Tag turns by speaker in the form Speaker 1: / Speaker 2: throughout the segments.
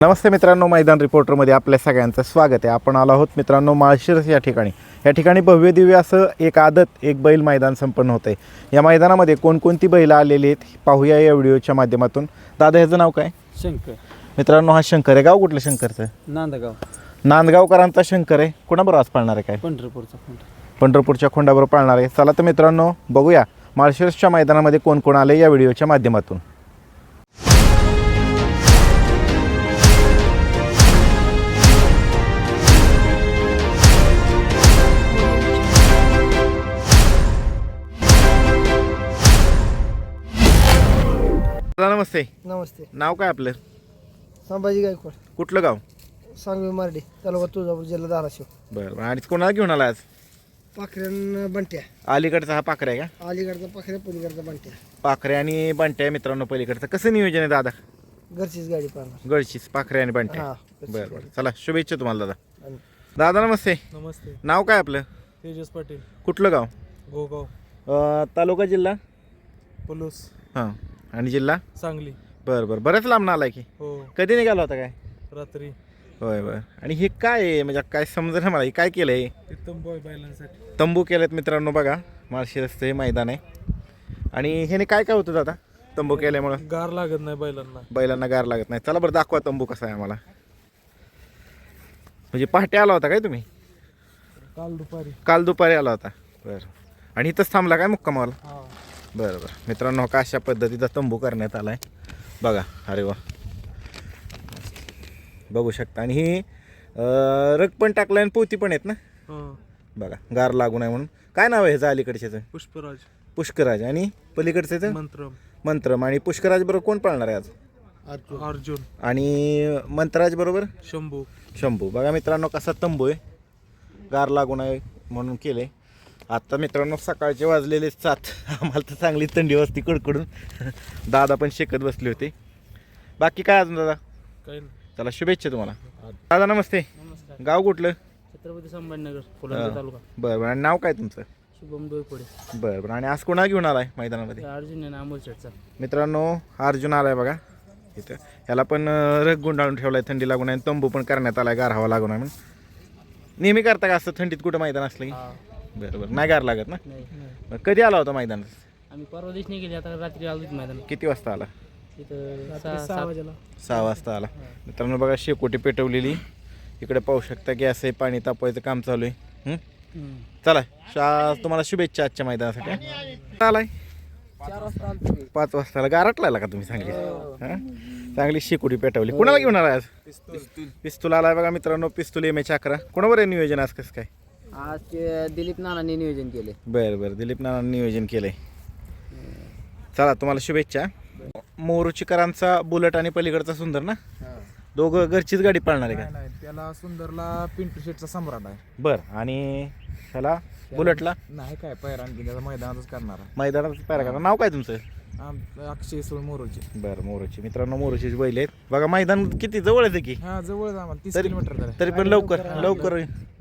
Speaker 1: नमस्ते मित्रांनो, मैदान रिपोर्टरमध्ये आपल्या सगळ्यांचं स्वागत आहे. आपण आलो आहोत मित्रांनो माळशिरस या ठिकाणी भव्य दिव्य असं एक आदत एक बैल मैदान संपन्न होतं आहे. या मैदानामध्ये कोणकोणती बैलं आलेली आहेत पाहूया या व्हिडिओच्या माध्यमातून. दादा ह्याचं नाव काय?
Speaker 2: शंकर.
Speaker 1: मित्रांनो हा शंकर आहे. गाव कुठलं शंकरचं?
Speaker 2: नांदगाव.
Speaker 1: नांदगावकरांचा शंकर आहे. कोणाबरोबर आज पाळणार आहे? काय
Speaker 2: पंढरपूरचा
Speaker 1: पंढरपूरच्या खोंडाबरोबर पाळणार आहे. चला तर मित्रांनो बघूया माळशिरसच्या मैदानामध्ये कोण कोण आले या व्हिडिओच्या माध्यमातून. नमस्ते.
Speaker 3: नमस्ते.
Speaker 1: नाव काय आपलं?
Speaker 3: संभाजी गायकवाड.
Speaker 1: कुठलं गाव?
Speaker 3: सांगवी मार्डी तालुका तुळजापूर जिल्हा धाराशिव.
Speaker 1: बरं. आणि कोणाला घेऊन आला आज?
Speaker 3: पाखऱ्यान बंट्या.
Speaker 1: अलीकडचा हा पाखरे आहे का?
Speaker 3: अलीकडचा पाखऱ्या पलीकडचा बंट्या.
Speaker 1: पाखरे आणि बंट्या मित्रांनो पलीकडचं. कसं नियोजन आहे दादा?
Speaker 3: घरचीच गाडी पाहणार.
Speaker 1: गळशीच पाखरे आणि बंट्या.
Speaker 3: हा.
Speaker 1: बरं बरं. चला शुभेच्छा तुम्हाला दादा.
Speaker 3: आणि
Speaker 1: दादा नमस्ते.
Speaker 2: नमस्ते.
Speaker 1: नाव काय आपलं?
Speaker 2: तेजस पाटील.
Speaker 1: कुठलं गाव?
Speaker 2: गोगाव.
Speaker 1: तालुका जिल्हा?
Speaker 2: पलूस.
Speaker 1: हां. आणि जिल्हा?
Speaker 2: सांगली.
Speaker 1: बरं बरं. बरंच लांब आलाय की.
Speaker 2: हो.
Speaker 1: कधी निघाला होता काय?
Speaker 2: रात्री.
Speaker 1: होय बरं. आणि हे काय आहे म्हणजे काय समजा मला, हे काय केलं आहे?
Speaker 2: ते तंबू आहे बैलांसाठी.
Speaker 1: तंबू केलेत मित्रांनो बघा. माळशिरसचं हे मैदान आहे. आणि ह्याने काय काय होतं दादा तंबू केल्यामुळं?
Speaker 2: गार लागत नाही
Speaker 1: बैलांना गार लागत नाही. चला बरं दाखवा तंबू कसा आहे आम्हाला. म्हणजे पहाटे आला होता काय तुम्ही? काल दुपारी आला होता. बरं. आणि इथंच थांबला काय मुक्कामाला?
Speaker 2: हा.
Speaker 1: बरं बरं. मित्रांनो का अशा पद्धतीचा तंबू करण्यात आला आहे बघा. अरे वा, बघू शकता. आणि ही रग पण टाकलं आणि पोती पण आहेत ना बघा, गार लागू नये म्हणून. काय नाव आहे ह्याचं अलीकडच्याचं?
Speaker 2: पुष्पराज.
Speaker 1: पुष्कराज. आणि पलीकडचं? मंत्रम. आणि पुष्कराज बरोबर कोण पाळणार आहे आज?
Speaker 2: अर्जुन.
Speaker 1: आणि मंत्रराज बरोबर
Speaker 2: शंभू.
Speaker 1: बघा मित्रांनो कसा तंबू आहे, गार लागू नये म्हणून केले. आता मित्रांनो सकाळचे वाजलेले 7. आम्हाला तर चांगली थंडी वाजती कडकडून. दादा पण शेकत बसले होते. बाकी काय अजून दादा?
Speaker 2: काही
Speaker 1: चला शुभेच्छा तुम्हाला. दादा नमस्ते.
Speaker 2: नमस्कार.
Speaker 1: गाव कुठलं?
Speaker 2: छत्रपती संभाजीनगर, फुलंब्री तालुका.
Speaker 1: बरं बरं. आणि नाव काय तुमचं?
Speaker 2: शुभम दोयपुडे.
Speaker 1: बरं बरं. आणि आज कोणा घेऊन आलाय मैदानामध्ये?
Speaker 2: अर्जुन आहे अमोल शेटचा.
Speaker 1: मित्रांनो हा अर्जुन आलाय बघा इथं. ह्याला पण रग गुंडाळून ठेवलाय थंडी लागून आहे. तंबू पण करण्यात आलाय गार हवा लागून आहे म्हणून. नेहमी करता का असं थंडीत कुठं मैदान असलं की? बरं बरं. नाही गार लागत ना?
Speaker 2: नाही.
Speaker 1: बरं. कधी आला होता मैदानात?
Speaker 2: आम्ही परवा दिवशी गेले, आता रात्री आलो मैदान.
Speaker 1: किती वाजता आला?
Speaker 2: तिथं 6 वाजेला.
Speaker 1: 6 वाजता आला. मित्रांनो बघा शेकोटी पेटवलेली. इकडे पाहू शकता गॅस आहे, पाणी तापवायचं काम चालू आहे. चला तुम्हाला शुभेच्छा आजच्या मैदानासाठी. आलाय 5 वाजता आला. गारटला का तुम्ही? चांगली चांगली शेकोटी पेटवली. कुणाला घेऊन आला आज? पिस्तूल आलाय बघा मित्रांनो. पिस्तूल MH 11. कोणावर आहे नियोजन आज? कसं काय
Speaker 4: आज ते दिलीप नानांनी नियोजन केले.
Speaker 1: बरं बरं. दिलीप नानांनी नियोजन केलंय. चला तुम्हाला शुभेच्छा. मोरुचीकरांचा बुलेट आणि पलीकडचा सुंदर ना, दोघं घरचीच गाडी पाळणार आहे का?
Speaker 2: त्याला सुंदरला पिंटू शेटचा सम्राट आहे.
Speaker 1: बरं. आणि ह्याला बुलेटला
Speaker 2: नाही काय पैरा, आणखी त्याचा मैदानातच करणार.
Speaker 1: मैदानात पायरा करा. नाव काय तुमचं?
Speaker 2: अक्षय सोळ मोरोची.
Speaker 1: बरं. मोरूची. मित्रांनो मोरूचीच बैल आहेत बघा. मैदान किती जवळच आहे की?
Speaker 2: हा जवळ आम्हाला 30
Speaker 1: तरी-
Speaker 2: किलोमीटर
Speaker 1: तरी पण लवकर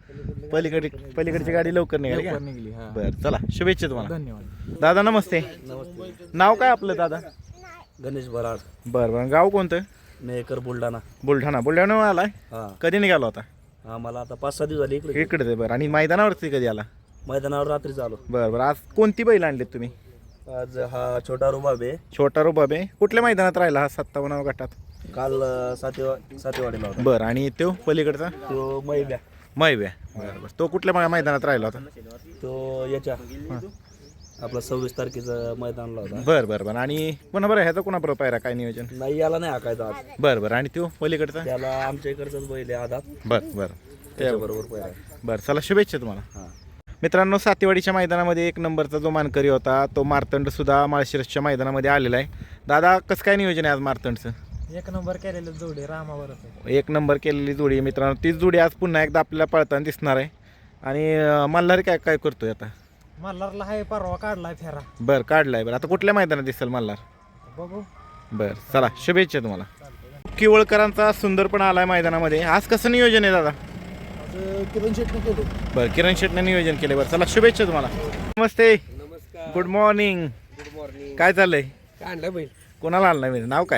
Speaker 1: पलीकडची गाडी लवकर निघाली का?
Speaker 2: निघली. हा.
Speaker 1: बरं. चला शुभेच्छा तुम्हाला.
Speaker 2: धन्यवाद.
Speaker 1: दादा नमस्ते. नाव काय आपलं दादा?
Speaker 4: गणेश बराड.
Speaker 1: बरं बरं. गाव कोणतं?
Speaker 4: मेकर बुलढाणा.
Speaker 1: बुलढाणा आलाय.
Speaker 4: हा.
Speaker 1: कधी निघाला होता?
Speaker 4: आम्हाला आता 5-6 दिवस झाले इकडे.
Speaker 1: इकडे ते. बरं. आणि मैदानावरती कधी आला?
Speaker 4: मैदानावर रात्री झालो.
Speaker 1: बरं बरं. आज कोणती बैल आणलीत तुम्ही?
Speaker 4: आज हा छोटा रुबाब आहे.
Speaker 1: छोटा रुबाबे. कुठल्या मैदानात राहिला हा 57 गटात?
Speaker 4: काल सातेवाडीला होता.
Speaker 1: बरं. आणि तो पलीकडचा?
Speaker 4: तो मैब्या.
Speaker 1: मैव्या. बरं बरं. तो कुठल्या मैदानात राहिला होता?
Speaker 4: तो याच्या आपला 26 तारखेचं मैदानला होता.
Speaker 1: बरं बरं बरं. आणि पुन्हा बरं ह्याचा कोणा बरोबर पायरा काय नियोजन?
Speaker 4: नाही याला नाही हाकायचा आज.
Speaker 1: बरं बरं. आणि तो पलीकडचा?
Speaker 4: त्याला आमच्या इकडचाच बैल आहे आधा.
Speaker 1: बरं बरं.
Speaker 4: त्याच्याबरोबर पैरा.
Speaker 1: बरं. चला शुभेच्छा तुम्हाला.
Speaker 4: हा.
Speaker 1: मित्रांनो सातेवाडीच्या मैदानामध्ये 1 नंबरचा जो मानकरी होता तो मार्तंड सुद्धा माळशिरसच्या मैदानामध्ये आलेला आहे. दादा कसं काय नियोजन आहे आज मार्तंडचं?
Speaker 2: 1 नंबर केलेलं जोडी रामावर.
Speaker 1: 1 नंबर केलेली जोडी आहे मित्रांनो. तीच जोडी आज पुन्हा एकदा आपल्याला पळताना दिसणार आहे. आणि मल्हारी काय काय करतोय आता?
Speaker 2: मल्हारला आहे परवा काढलाय फेरा.
Speaker 1: बरं. काढलाय. बरं. आता कुठल्या मैदानात दिसेल मल्हार?
Speaker 2: बघू.
Speaker 1: बरं. चला शुभेच्छा तुम्हाला. किवळकरांचा सुंदर पण आलाय मैदानामध्ये. आज कसं नियोजन आहे दादा?
Speaker 3: किरण शेटने केले.
Speaker 1: बरं. किरण शेटने नियोजन केले. बरं. चला शुभेच्छा तुम्हाला. नमस्ते. Good morning. काय चाललंय?
Speaker 3: आणलं बैल.
Speaker 1: कोणाला आणलं? नाव काय?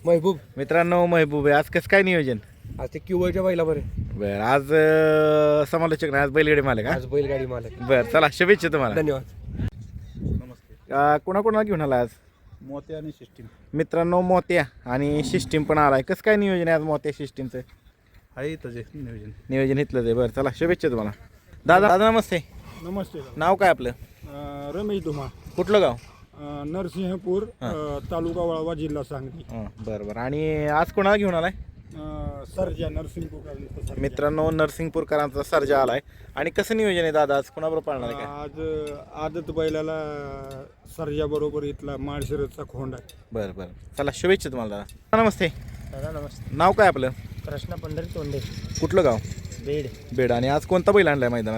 Speaker 2: महबूब
Speaker 1: मित्रांनो महबूब आहे. आज कसं काय नियोजन?
Speaker 2: आज ते क्युबाच्या बैला बरे
Speaker 1: बरं आज समालोचक नाही, आज बैलगाडी मालक का?
Speaker 2: आज बैलगाडी मालक.
Speaker 1: बरं चला शुभेच्छा तुम्हाला.
Speaker 2: धन्यवाद.
Speaker 1: कोणाकोणाला घेऊन आला आज?
Speaker 4: मोत्या आणि सिस्टीम
Speaker 1: मित्रांनो मोत्या आणि सिस्टीम पण आलाय. कसं काय नियोजन आहे आज मोत्या सिस्टीमचं?
Speaker 4: आहे तसे नियोजन.
Speaker 1: नियोजन इथलंच आहे. बरं चला शुभेच्छा तुम्हाला. दादा नमस्ते.
Speaker 5: नमस्ते.
Speaker 1: नाव काय आपलं?
Speaker 5: रमेश धुमा,
Speaker 1: कुठलं गाव?
Speaker 5: नरसिंहपूर, तालुका वाळवा, जिल्हा सांगली.
Speaker 1: बरं बरं. आणि आज कोणाला घेऊन आलाय?
Speaker 5: सर्जा नरसिंहपूर.
Speaker 1: मित्रांनो नरसिंगपूरकरांचा सर्जा आलाय. आणि कसं नियोजन आहे दादा आज? कोणाबरोबर पाळणार आहे काय?
Speaker 5: आज आदत बैलाला सर्जा बरोबर इथला माळशिरसचा खोंड आहे.
Speaker 1: बरं बरं चला शुभेच्छा तुम्हाला दादा. नमस्ते.
Speaker 2: दादा नमस्ते.
Speaker 1: नाव काय आपलं?
Speaker 2: कृष्णा पंढरी तोंडे,
Speaker 1: कुठलं गाव?
Speaker 2: बेड.
Speaker 1: बेड. आणि आज कोणता बैल आणलाय मैदानात?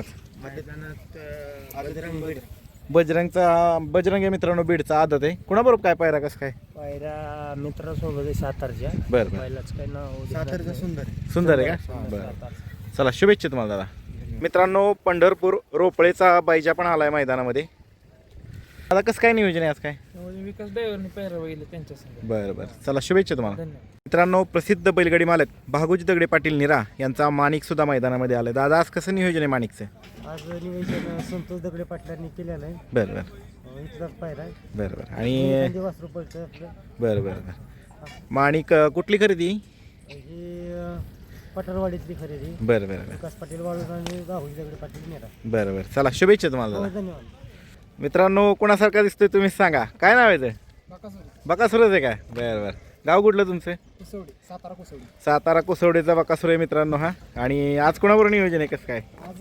Speaker 1: बजरंग आहे मित्रांनो, बीडचा आदत आहे. कोणाबरोबर काय पायरा कसं काय?
Speaker 2: पायरा मित्रासोबत आहे सातारच्या.
Speaker 1: बरं बरं.
Speaker 2: बैलाच काय नाव?
Speaker 1: सुंदर आहे का? बरं चला शुभेच्छा तुम्हाला दादा. मित्रांनो पंढरपूर रोपळेचा बायजा पण आलाय मैदानामध्ये. आता कसं काय नियोजन आहे आज काय?
Speaker 2: विकास ड्रायव्हरने पायरा बघितलं त्यांच्या संग.
Speaker 1: बरं बरं चला शुभेच्छा तुम्हाला.
Speaker 2: धन्यवाद.
Speaker 1: मित्रांनो प्रसिद्ध बैलगाडी मालक भागोजी दगडे पाटील निरा यांचा माणिक सुद्धा मैदानामध्ये आलाय. दादा आज कसं नियोजन आहे माणिकचं?
Speaker 2: आज निवेदन संतोष दगडे पाटलांनी केलेलं आहे.
Speaker 1: बरं बरं
Speaker 2: इथलाच पायरा आहे.
Speaker 1: बरं बरं. आणि
Speaker 2: वासरू पडतं आपलं.
Speaker 1: बरं बरं बरं. माणिक कुठली खरेदी?
Speaker 2: ही पटरवाडीतली खरेदी.
Speaker 1: बरं बरं बरं.
Speaker 2: विकास पाटील वाळून आणि राहुल दगडे पाटील नेरा.
Speaker 1: बरं बरं चला शुभेच्छा तुम्हाला दादा.
Speaker 2: धन्यवाद.
Speaker 1: मित्रांनो कोणासारखा दिसतोय तुम्ही सांगा. काय नाव आहे ते? बकासुरच आहे काय? बरं बरं. गाव कुठलं तुमचं?
Speaker 2: कुसवडी, सातारा कुसवडी.
Speaker 1: सातारा कुसवडीचा बकासूर आहे मित्रांनो हा. आणि आज कोणाबरोबर नियोजन आहे कसं काय?
Speaker 3: आज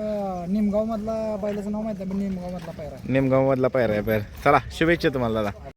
Speaker 3: निमगाव मधला बैलाचं नाव माहिती आहे, निमगाव मधला पायरा.
Speaker 1: नेमगाव मधला पायरा आहे. बरं चला शुभेच्छा तुम्हाला दादा.